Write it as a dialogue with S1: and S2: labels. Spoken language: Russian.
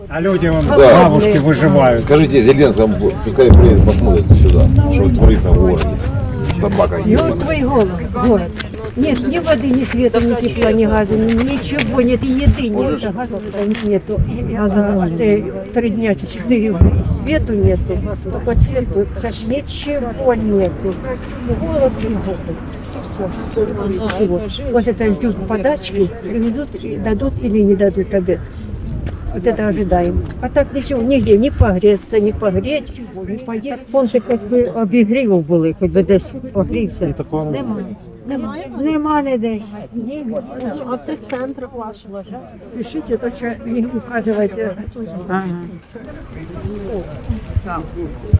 S1: А люди, вон,
S2: Да.
S1: бабушки выживают.
S2: Скажите Зеленскому, пускай приедет, посмотрит сюда, что творится в городе. Собака
S3: И
S2: ебаная.
S3: вот твой город. Нет ни воды, ни света, ни тепла, ни газа, ничего нет, и еды нет, газа нету. А це 3 дня чи 4 уже и свету нету, только свету, так ничего нету. Голод и голод. Ничего. Вот это ждут подачки, привезут, и дадут или не дадут обед. Вот это ожидаем. А так ничего, нигде не погреться, не погреть, не поесть. Понти як би обігрівів були, хоч би десь погрівся. Нема ніде.
S4: А в цих центрах ваших?
S3: Пишите, то, что не указывайте.